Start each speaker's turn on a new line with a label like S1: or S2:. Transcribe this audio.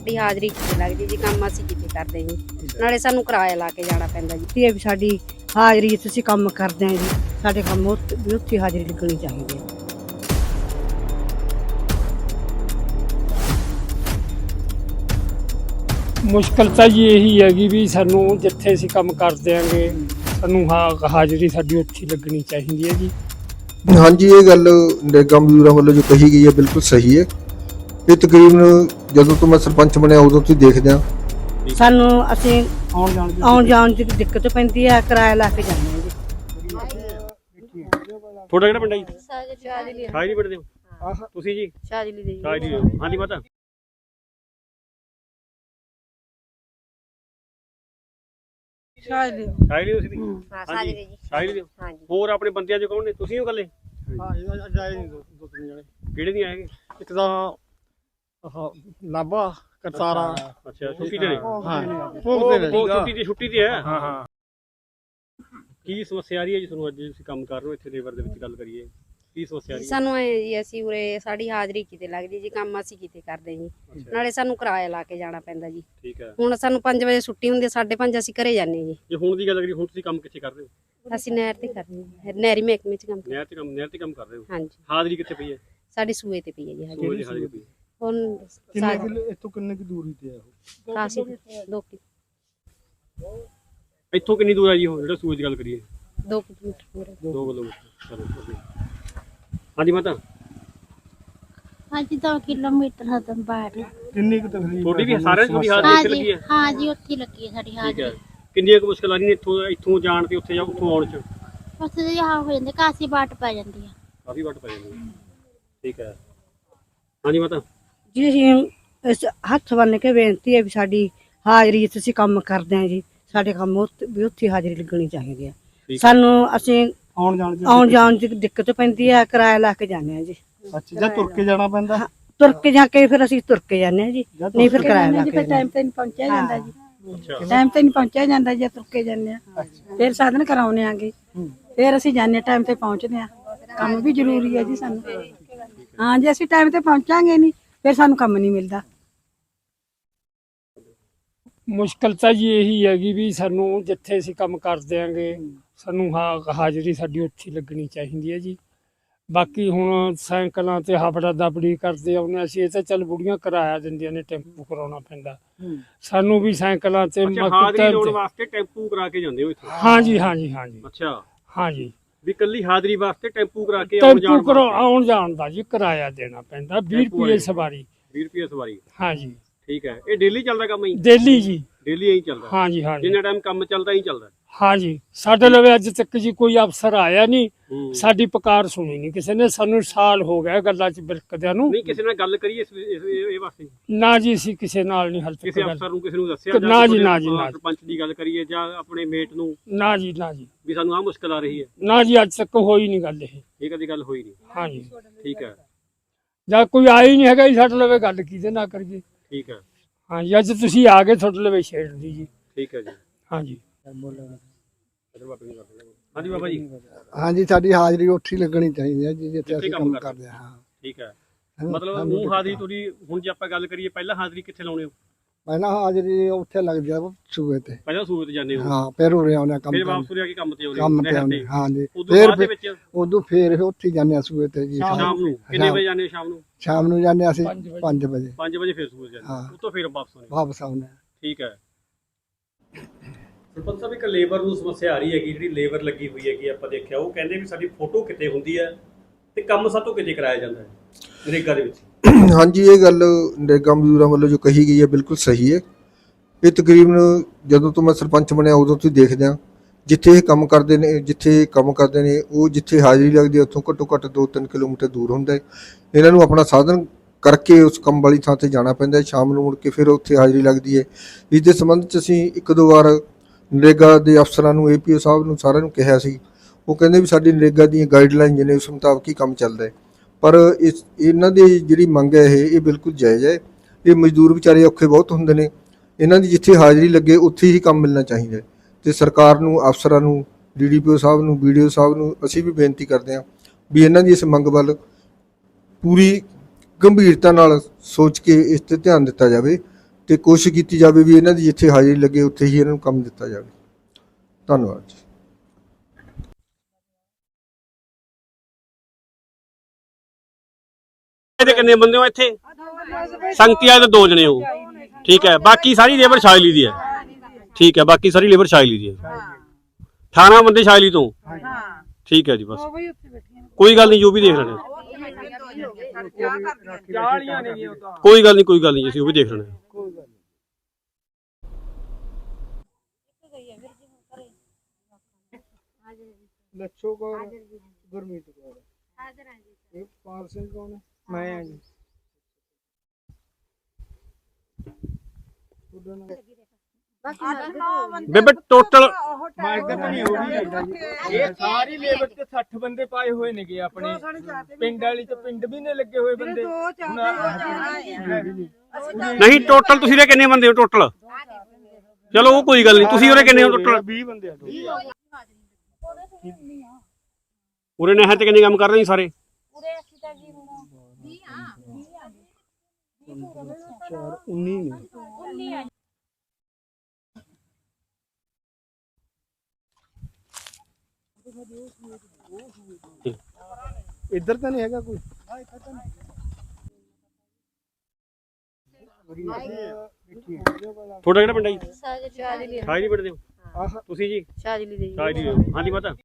S1: ਸਾਡੀ ਹਾਜ਼ਰੀ ਕਿਤੇ ਲੱਗਦੀ ਜੀ, ਕੰਮ ਅਸੀਂ ਕਿਤੇ ਕਰਦੇ ਜੀ, ਨਾਲੇ ਸਾਨੂੰ ਕਿਰਾਇਆ ਲਾ ਕੇ ਜਾਣਾ ਪੈਂਦਾ ਜੀ।
S2: ਇਹ ਵੀ ਸਾਡੀ ਹਾਜ਼ਰੀ ਜਿੱਥੇ ਅਸੀਂ ਕੰਮ ਕਰਦੇ ਹਾਂ ਜੀ, ਸਾਡੇ ਕੰਮ ਉੱਥੇ ਹਾਜ਼ਰੀ ਲੱਗਣੀ ਚਾਹੀਦੀ ਹੈ।
S3: ਮੁਸ਼ਕਲ ਤਾਂ ਜੀ ਇਹੀ ਹੈਗੀ ਵੀ ਸਾਨੂੰ ਜਿੱਥੇ ਅਸੀਂ ਕੰਮ ਕਰਦੇ ਆਂਗੇ ਸਾਨੂੰ ਹਾਜ਼ਰੀ ਸਾਡੀ ਉੱਥੇ ਲੱਗਣੀ ਚਾਹੀਦੀ ਹੈ ਜੀ।
S4: हाँ जी, ये गल नरेगा मजदूरों वालों जो कही गई है बिल्कुल सही है। ये तकरीबन ਜਦੋਂ ਤੋਂ ਮੈਂ ਸਰਪੰਚ ਬਣਿਆ ਉਦੋਂ ਤੋਂ ਦੇਖਦੇ ਆ
S2: ਸਾਨੂੰ ਅਸੀਂ ਆਉਣ ਜਾਣ ਦੀ ਦਿੱਕਤ ਪੈਂਦੀ ਹੈ, ਕਿਰਾਇਆ ਲਾ ਕੇ ਜਾਂਦੇ ਹਾਂ ਜੀ।
S3: ਤੁਹਾਡਾ ਕਿਹੜਾ ਪਿੰਡ ਹੈ ਜੀ?
S1: ਸ਼ਾਜ਼ਲੀ
S3: ਸ਼ਾਜ਼ਲੀ ਪਿੰਡ ਦੇ ਹੋ ਤੁਸੀਂ ਜੀ?
S1: ਸ਼ਾਜ਼ਲੀ ਦੇ
S3: ਸ਼ਾਜ਼ਲੀ ਦੇ ਹੋ। ਹਾਂਜੀ ਮਾਤਾ,
S2: ਸ਼ਾਜ਼ਲੀ
S3: ਸ਼ਾਜ਼ਲੀ ਤੁਸੀਂ ਵੀ?
S1: ਸ਼ਾਜ਼ਲੀ ਦੇ ਜੀ।
S3: ਸ਼ਾਜ਼ਲੀ ਦੇ ਹੋ।
S1: ਹਾਂਜੀ
S3: ਹੋਰ ਆਪਣੇ ਬੰਦਿਆਂ ਚ ਕੌਣ ਨੇ? ਤੁਸੀਂ ਹੋ ਇਕੱਲੇ?
S5: ਹਾਂ ਇਹ ਜਾਏ ਨਹੀਂ ਦੋ ਤਿੰਨ ਜਣੇ।
S3: ਕਿਹੜੇ ਨਹੀਂ ਆਏਗੇ?
S5: ਇੱਕ ਤਾਂ ਆਹ ਨਾਭਾ ਕਰਤਾਰਾ।
S3: ਅੱਛਾ, ਛੁੱਟੀ ਤੇ ਨੇ?
S5: ਹਾਂ
S3: ਉਹ ਛੁੱਟੀ ਤੇ ਹੈ। ਹਾਂ ਹਾਂ। ਕੀ ਸਮੱਸਿਆ ਆ ਰਹੀ ਹੈ ਜੀ ਤੁਹਾਨੂੰ ਅੱਜ ਤੁਸੀਂ ਕੰਮ ਕਰ ਰਹੇ ਹੋ ਇੱਥੇ ਲੇਬਰ ਦੇ ਵਿੱਚ? ਗੱਲ ਕਰੀਏ, ਕੀ ਸਮੱਸਿਆ ਆ ਰਹੀ ਹੈ?
S1: ਸਾਨੂੰ ਐ ਜੀ, ਅਸੀਂ ਉਰੇ ਸਾਡੀ ਹਾਜ਼ਰੀ ਕਿਤੇ ਲੱਗਦੀ ਜੀ, ਕੰਮ ਅਸੀਂ ਕਿਤੇ ਕਰਦੇ ਜੀ, ਨਾਲੇ ਸਾਨੂੰ ਕਿਰਾਇਆ ਲਾ ਕੇ ਜਾਣਾ ਪੈਂਦਾ ਜੀ।
S3: ਠੀਕ ਹੈ।
S1: ਹੁਣ ਸਾਨੂੰ 5 ਵਜੇ ਛੁੱਟੀ ਹੁੰਦੀ ਹੈ, 5:30 ਅਸੀਂ ਘਰੇ ਜਾਂਦੇ ਜੀ।
S3: ਜੇ ਹੁਣ ਦੀ ਗੱਲ ਕਰੀਏ, ਹੁਣ ਤੁਸੀਂ ਕੰਮ ਕਿੱਥੇ ਕਰ ਰਹੇ ਹੋ?
S1: ਅਸੀਂ ਨਹਿਰ ਤੇ ਕਰਦੇ ਹਾਂ, ਨਹਿਰੀ ਮਹਿਕਮੇ ਚ ਕੰਮ
S3: ਨਹਿਰ ਤੇ ਕੰਮ ਕਰ ਰਹੇ ਹੋ?
S1: ਹਾਂਜੀ।
S3: ਹਾਜ਼ਰੀ ਕਿੱਥੇ ਪਈ ਹੈ?
S1: ਸਾਡੀ ਸੂਏ ਤੇ ਪਈ ਹੈ ਜੀ ਹਾਜ਼ਰੀ।
S3: ਸੂਏ ਦੀ ਹਾਜ਼ਰੀ ਪਈ ਹੈ।
S1: ਹੁਣ
S5: ਇੱਥੋਂ ਕਿੰਨੇ ਕੀ ਦੂਰੀ ਤੇ ਆ ਉਹ?
S1: ਕਾਸੀ
S3: ਇੱਥੋਂ ਕਿੰਨੀ ਦੂਰ ਹੈ ਜੀ ਉਹ ਜਿਹੜਾ ਸੂਏ ਦੀ ਗੱਲ ਕਰੀਏ?
S1: 2 ਕਿਲੋਮੀਟਰ ਪੂਰੇ।
S3: 2 ਕਿਲੋਮੀਟਰ। ਚਲੋ okay। ਹਾਂਜੀ ਮਾਤਾ,
S6: ਹਾਂਜੀ 2 ਕਿਲੋਮੀਟਰ ਹਦਮ ਬਾਹਰ।
S5: ਕਿੰਨੀ ਕੁ ਤਕਲੀਫ
S3: ਤੁਹਾਡੀ ਵੀ ਸਾਰਿਆਂ ਦੀ ਹਾਜ਼ਰੀ ਇੱਥੇ ਲੱਗੀ ਹੈ?
S6: ਹਾਂ ਜੀ ਉੱਥੇ ਲੱਗੀ ਹੈ ਸਾਡੀ
S3: ਠੀਕ ਹੈ।
S6: ਹਾਜ਼ਰੀ।
S3: ਕਿੰਨੀਆਂ ਕੁ ਮੁਸ਼ਕਲਾਂ ਆ ਰਹੀਆਂ ਇੱਥੋਂ ਜਾਣ ਤੇ ਉੱਥੇ ਉੱਥੋਂ ਆਉਣ ਚ?
S6: ਉੱਥੇ ਦੇ ਹੋ ਜਾਂਦੇ, ਕਾਸੀ ਬਾਟ ਪੈ ਜਾਂਦੀ ਆ।
S3: ਕਾਫੀ ਵੱਟ ਪੈ ਜਾਂਦੀ ਹੈ। ਠੀਕ ਹੈ। ਹਾਂਜੀ ਮਾਤਾ,
S2: ਜੀ ਅਸੀਂ ਇਸ ਹੱਥ ਬੰਨ੍ਹ ਕੇ ਬੇਨਤੀ ਹੈ ਵੀ ਸਾਡੀ ਹਾਜ਼ਰੀ ਜਿੱਥੇ ਅਸੀਂ ਕੰਮ ਕਰਦੇ ਹਾਂ ਜੀ, ਸਾਡੇ ਕੰਮ ਉੱਥੇ ਹਾਜ਼ਰੀ ਲੱਗਣੀ ਚਾਹੀਦੀ ਹੈ। ਸਾਨੂੰ ਅਸੀਂ ਆਉਣ ਜਾਣ ਦੀ ਦਿੱਕਤ ਪੈਂਦੀ ਹੈ, ਕਿਰਾਇਆ ਲਾ ਕੇ ਜਾਂਦੇ ਹਾਂ ਜੀ।
S5: ਅੱਛਾ, ਜਾਂ ਤੁਰ ਕੇ ਜਾਣਾ ਪੈਂਦਾ?
S2: ਤੁਰ ਕੇ ਜਾ ਕੇ ਫਿਰ ਅਸੀਂ ਤੁਰ ਕੇ ਜਾਂਦੇ ਹਾਂ ਜੀ, ਨਹੀਂ ਫਿਰ ਕਿਰਾਇਆ ਲਾ ਕੇ
S7: ਟਾਈਮ ਤੇ ਨਹੀਂ ਪਹੁੰਚਿਆ ਜਾਂਦਾ ਜੀ।
S3: ਅੱਛਾ।
S7: ਟਾਈਮ ਤੇ ਨਹੀਂ ਪਹੁੰਚਿਆ ਜਾਂਦਾ ਜੇ ਤੁਰ ਕੇ ਜਾਂਦੇ ਆ। ਫਿਰ ਸਾਧਨ ਕਰਾਉਣੇ ਆਗੇ, ਫਿਰ ਅਸੀਂ ਜਾਂਦੇ ਟਾਈਮ ਤੇ ਪਹੁੰਚਦੇ ਆ। ਕੰਮ ਵੀ ਜ਼ਰੂਰੀ ਹੈ ਜੀ ਸਾਨੂੰ। ਹਾਂ, ਜੇ ਅਸੀਂ ਟਾਈਮ ਤੇ ਪਹੁੰਚਾਂਗੇ ਨਹੀਂ ਫਿਰ ਸਾਨੂੰ ਕੰਮ ਨਹੀਂ ਮਿਲਦਾ।
S3: ਮੁਸ਼ਕਲ ਤਾਂ ਜੀ ਇਹੀ ਹੈਗੀ ਵੀ ਸਾਨੂੰ ਜਿੱਥੇ ਅਸੀਂ ਕੰਮ ਕਰਦੇ ਆਂਗੇ ਸਾਨੂੰ ਹਾਜ਼ਰੀ ਸਾਡੀ ਉੱਥੇ ਲੱਗਣੀ ਚਾਹੀਦੀ ਹੈ ਜੀ। ਬਾਕੀ ਹੁਣ ਸਾਈਕਲਾਂ ਤੇ ਹਫੜਾ ਦਬੜੀ ਕਰਦੇ ਆਉਂਦੇ ਅਸੀਂ, ਇਹ ਤਾਂ ਚੱਲ ਬੁੜੀਆਂ ਕਿਰਾਇਆ ਦਿੰਦੀਆਂ ਨੇ, ਟੈਂਪੂ ਕਰਾਉਣਾ ਪੈਂਦਾ ਸਾਨੂੰ ਵੀ ਸਾਈਕਲਾਂ ਤੇ।
S8: ਹਾਜ਼ਰੀ ਲਾਉਣ ਵਾਸਤੇ ਟੈਂਪੂ ਕਰਾ ਕੇ ਜਾਂਦੇ ਹੋ ਇੱਥੇ?
S3: ਹਾਂਜੀ ਹਾਂਜੀ ਹਾਂਜੀ।
S8: ਅੱਛਾ,
S3: ਹਾਂਜੀ।
S8: ਵੀ ਕੱਲੀ ਹਾਜ਼ਰੀ ਵਾਸਤੇ ਟੈਂਪੂ ਕਰਾ ਕੇ
S3: ਟੈਂਪੂ ਆਉਣ ਜਾਣ ਦਾ ਜੀ ਕਿਰਾਇਆ ਦੇਣਾ ਪੈਂਦਾ, 20 ਰੁਪਏ ਸਵਾਰੀ।
S8: 20 ਰੁਪਏ ਸਵਾਰੀ?
S3: ਹਾਂਜੀ।
S8: ਠੀਕ ਹੈ। ਇਹ ਡੇਲੀ ਚੱਲਦਾ ਕੰਮ ਹੀ?
S3: ਡੇਲੀ ਜੀ,
S8: ਡੇਲੀ ਇਹੀ ਚੱਲਦਾ?
S3: ਹਾਂਜੀ ਹਾਂਜੀ।
S8: ਜਿੰਨਾ ਟਾਈਮ ਕੰਮ ਚੱਲਦਾ ਹੀ ਚੱਲਦਾ?
S3: ਹਾਂਜੀ। ਸਾਡੇ ਲਵੇ ਅੱਜ ਤੱਕ ਜੀ ਕੋਈ ਅਫਸਰ ਆਇਆ ਨਹੀਂ, ਸਾਡੀ ਪੁਕਾਰ ਸੁਣੀ ਨਹੀਂ ਕਿਸੇ ਨੇ। ਸਾਨੂੰ ਸਾਲ ਹੋ ਗਿਆ ਗੱਲਾਂ 'ਚ ਬਿਰਕਦਿਆਂ ਨੂੰ।
S8: ਨਹੀਂ ਕਿਸੇ ਨਾਲ ਗੱਲ ਕਰੀ ਇਹ ਵਾਸਤੇ?
S3: ਨਾ ਜੀ, ਅਸੀਂ ਕਿਸੇ ਨਾਲ ਨਹੀਂ ਹਾਲ ਤੱਕ
S8: ਕਿਸੇ ਅਫਸਰ ਨੂੰ ਕਿਸੇ ਨੂੰ ਦੱਸਿਆ?
S3: ਨਾ ਜੀ ਨਾ ਜੀ ਨਾ।
S8: ਸਰਪੰਚ ਦੀ ਗੱਲ ਕਰੀਏ ਜਾਂ ਆਪਣੇ ਮੇਟ ਨੂੰ?
S3: ਨਾ ਜੀ ਨਾ ਜੀ।
S8: ਵੀ ਸਾਨੂੰ ਆਹ ਮੁਸ਼ਕਲ ਆ ਰਹੀ ਹੈ?
S3: ਨਾ ਜੀ, ਅੱਜ ਤੱਕ ਹੋਈ ਨਹੀਂ ਗੱਲ ਇਹ
S8: ਕਦੀ ਗੱਲ ਹੋਈ ਨਹੀਂ?
S3: ਹਾਂਜੀ।
S8: ਠੀਕ ਹੈ।
S3: ਜਾਂ ਕੋਈ ਆਇਆ ਹੀ ਨਹੀਂ ਹੈਗਾ ਜੀ ਸਾਡੇ ਲਵੇ, ਗੱਲ ਕਿਹਦੇ ਨਾਲ ਕਰੀਏ?
S8: ਠੀਕ ਹੈ।
S3: ਹਾਂਜੀ, ਅੱਜ ਤੁਸੀਂ ਆ ਗਏ, ਤੁਹਾਡੇ ਲਵੇ ਛੇੜ ਦੀ ਜੀ।
S8: ਠੀਕ ਹੈ ਜੀ।
S3: ਹਾਂਜੀ।
S8: ਹਾਂਜੀ ਬਾਬਾ ਜੀ।
S5: ਹਾਂਜੀ, ਸਾਡੀ ਹਾਜ਼ਰੀ ਉੱਥੇ ਲੱਗਣੀ ਚਾਹੀਦੀ ਹੈ ਜੀ ਜਿੱਥੇ ਅਸੀਂ ਕੰਮ ਕਰਦੇ ਹਾਂ।
S8: ਠੀਕ ਹੈ। ਮਤਲਬ ਉਹ ਹਾਜ਼ਰੀ ਤੁਹਾਡੀ ਹੁਣ ਜੇ ਆਪਾਂ ਗੱਲ ਕਰੀਏ, ਪਹਿਲਾਂ ਹਾਜ਼ਰੀ ਕਿੱਥੇ ਲਾਉਣੇ ਹੋ?
S5: ਪਹਿਲਾਂ ਹਾਜ਼ਰੀ ਉੱਥੇ ਲੱਗਦੀ ਆ ਸੂਏ ਤੇ।
S8: ਪਹਿਲਾਂ ਸੂਏ ਤੇ ਜਾਂਦੇ ਹੋ?
S5: ਹਾਂ, ਫਿਰ ਉਰੇ ਆਉਂਦੇ ਕੰਮ
S8: ਫਿਰ ਵਾਪਸ ਉਰੇ ਆ ਕੇ ਕੰਮ ਤੇ ਆਉਂਦੇ?
S5: ਕੰਮ ਤੇ ਆਉਂਦੇ। ਹਾਂਜੀ।
S8: ਫਿਰ
S5: ਉਦੋਂ ਫਿਰ ਉੱਥੇ ਜਾਂਦੇ ਆ ਸੂਏ ਤੇ ਜੀ।
S8: ਸ਼ਾਮ ਨੂੰ ਕਿੰਨੇ ਵਜੇ ਜਾਂਦੇ ਹੋ? ਸ਼ਾਮ ਨੂੰ?
S5: ਸ਼ਾਮ ਨੂੰ ਜਾਂਦੇ ਅਸੀਂ 5 ਵਜੇ।
S8: 5 ਵਜੇ ਫਿਰ ਸੂਏ ਜਾਂਦੇ, ਉਤੋਂ ਫਿਰ
S5: ਵਾਪਸ ਆਉਂਦੇ।
S8: ਠੀਕ ਹੈ। ਸਰਪੰਚ ਸਾਹਿਬ, ਇੱਕ ਲੇਬਰ ਨੂੰ ਸਮੱਸਿਆ ਆ ਰਹੀ ਹੈਗੀ, ਜਿਹੜੀ ਲੇਬਰ ਲੱਗੀ ਹੋਈ ਹੈਗੀ, ਆਪਾਂ ਦੇਖਿਆ ਉਹ ਕਹਿੰਦੇ ਵੀ ਸਾਡੀ ਫੋਟੋ ਕਿਤੇ ਹੁੰਦੀ ਹੈ ਤੇ ਕੰਮ ਸਾਤੋਂ ਕਿਤੇ ਕਰਾਇਆ ਜਾਂਦਾ ਹੈ ਨਰੇਗਾ ਦੇ ਵਿੱਚ।
S4: ਹਾਂਜੀ, ਇਹ ਗੱਲ ਨਰੇਗਾ ਮਜ਼ਦੂਰਾਂ ਵੱਲੋਂ ਜੋ ਕਹੀ ਗਈ ਹੈ ਬਿਲਕੁਲ ਸਹੀ ਹੈ। ਇਹ ਤਕਰੀਬਨ ਜਦੋਂ ਤੋਂ ਮੈਂ ਸਰਪੰਚ ਬਣਿਆ ਉਦੋਂ ਤੋਂ ਦੇਖਦੇ ਹਾਂ ਜਿੱਥੇ ਇਹ ਕੰਮ ਕਰਦੇ ਨੇ ਉਹ ਜਿੱਥੇ ਹਾਜ਼ਰੀ ਲੱਗਦੀ ਹੈ ਉੱਥੋਂ ਘੱਟੋ ਘੱਟ 2-3 ਕਿਲੋਮੀਟਰ ਦੂਰ ਹੁੰਦਾ ਹੈ। ਇਹਨਾਂ ਨੂੰ ਆਪਣਾ ਸਾਧਨ ਕਰਕੇ ਉਸ ਕੰਮ ਵਾਲੀ ਥਾਂ ਤੇ ਜਾਣਾ ਪੈਂਦਾ। ਸ਼ਾਮ ਨੂੰ ਮੁੜ ਕੇ ਫਿਰ ਉੱਥੇ ਹਾਜ਼ਰੀ ਲੱਗਦੀ ਹੈ। ਇਸ ਦੇ ਸੰਬੰਧ 'ਚ ਅਸੀਂ 1-2 ਵਾਰ ਨਰੇਗਾ ਦੇ ਅਫਸਰਾਂ ਨੂੰ, APO ਸਾਹਿਬ ਨੂੰ, ਸਾਰਿਆਂ ਨੂੰ ਕਿਹਾ ਸੀ। ਉਹ ਕਹਿੰਦੇ ਵੀ ਸਾਡੀ ਨਰੇਗਾ ਦੀਆਂ ਗਾਈਡਲਾਈਨ ਨੇ ਉਸ ਮੁਤਾਬਕ ਹੀ ਕੰਮ ਚੱਲਦਾ ਹੈ। ਪਰ ਇਹਨਾਂ ਦੀ ਜਿਹੜੀ ਮੰਗ ਹੈ ਇਹ ਬਿਲਕੁਲ ਜਾਇਜ਼ ਹੈ। ਇਹ ਮਜ਼ਦੂਰ ਵਿਚਾਰੇ ਔਖੇ ਬਹੁਤ ਹੁੰਦੇ ਨੇ, ਇਹਨਾਂ ਦੀ ਜਿੱਥੇ ਹਾਜ਼ਰੀ ਲੱਗੇ ਉੱਥੇ ਹੀ ਕੰਮ ਮਿਲਣਾ ਚਾਹੀਦਾ ਹੈ। ਤੇ ਸਰਕਾਰ ਨੂੰ, ਅਫਸਰਾਂ ਨੂੰ, DDPO ਸਾਹਿਬ ਨੂੰ, BDO ਸਾਹਿਬ ਨੂੰ ਅਸੀਂ ਵੀ ਬੇਨਤੀ ਕਰਦੇ ਹਾਂ ਵੀ ਇਹਨਾਂ ਦੀ ਇਸ ਮੰਗ ਵੱਲ ਪੂਰੀ ਗੰਭੀਰਤਾ ਨਾਲ ਸੋਚ ਕੇ ਇਸ 'ਤੇ ਧਿਆਨ ਦਿੱਤਾ ਜਾਵੇ ਤੇ ਕੋਸ਼ਿਸ਼ ਕੀਤੀ ਜਾਵੇ ਵੀ ਇਹਨਾਂ ਦੀ ਜਿੱਥੇ ਹਾਜ਼ਰੀ ਲੱਗੇ ਉੱਥੇ ਹੀ ਇਹਨਾਂ ਨੂੰ ਕੰਮ ਦਿੱਤਾ ਜਾਵੇ। ਧੰਨਵਾਦ ਜੀ।
S8: ਇਹਦੇ ਕਿੰਨੇ ਬੰਦੇ ਹੋ ਇੱਥੇ? ਸੰਗਤੀ ਆਏ ਤਾਂ 2 ਜਣੇ ਹੋ, ਠੀਕ ਹੈ। ਬਾਕੀ ਸਾਰੀ ਲੇਬਰ ਸ਼ਾਇਲੀ ਦੀ ਹੈ, ਠੀਕ ਹੈ। ਬਾਕੀ ਸਾਰੀ ਲੇਬਰ ਸ਼ਾਇਲੀ ਦੀ ਹੈ। 18 ਬੰਦੇ ਸ਼ਾਇਲੀ ਤੋਂ, ਠੀਕ ਹੈ ਜੀ। ਬਸ ਕੋਈ ਗੱਲ ਨਹੀਂ, ਜੋ ਵੀ ਦੇਖ ਲੈਣੇ, ਕੋਈ ਗੱਲ ਨਹੀਂ ਅਸੀਂ ਉਹ ਵੀ ਦੇਖ ਲੈਣੇ।
S5: ਲੱਛੋ ਕੌਰ, ਗੁਰਮੀਤ ਕੌਰ, ਇਹ ਪਾਲ ਸਿੰਘ ਕੌਣ ਹੈ? ਮੈਂ ਹਾਂ ਜੀ।
S8: ਬੇਬੇ ਟੋਟਲ
S9: ਇਹ ਸਾਰੀ ਲੇਬਰ ਤੇ 60 ਬੰਦੇ ਪਾਏ ਹੋਏ ਨੇਗੇ ਆਪਣੇ ਪਿੰਡ ਵਾਲੀ ਤੇ ਪਿੰਡ ਵੀ ਨੇ ਲੱਗੇ ਹੋਏ ਬੰਦੇ।
S8: ਨਹੀਂ, ਟੋਟਲ ਤੁਸੀਂ ਦੇ ਕਿੰਨੇ ਬੰਦੇ ਹੋ ਟੋਟਲ? ਚਲੋ ਉਹ ਕੋਈ ਗੱਲ ਨਹੀਂ, ਤੁਸੀਂ ਉਰੇ ਕਿੰਨੇ ਹੋ ਟੋਟਲ?
S9: 20 ਬੰਦੇ ਆ।
S8: ਉਰੇ ਨਹਿਰ ਤੇ ਕਿੰਨੇ ਕੰਮ ਕਰ ਰਹੇ ਨੇ ਸਾਰੇ?
S6: ਉਰੇ ਅਸੀਂ ਤਾਂ ਜੀ ਹੁਣ 20 ਆ
S5: 19 ਨੇ। ਇੱਧਰ ਤਾਂ ਨਹੀਂ ਹੈਗਾ ਕੋਈ।
S8: ਤੁਹਾਡਾ ਕਿਹੜਾ ਪਿੰਡ ਹੈ ਜੀ?
S1: ਸ਼ਾਜਲੀ
S8: ਸ਼ਾਇਰੀ ਪਿੰਡ ਦੇ ਹੋ ਤੁਸੀਂ ਜੀ?
S1: ਸ਼ਾਜਲੀ ਦੇ
S8: ਸ਼ਾਇਰੀ ਹਾਂਜੀ ਪਤਾ।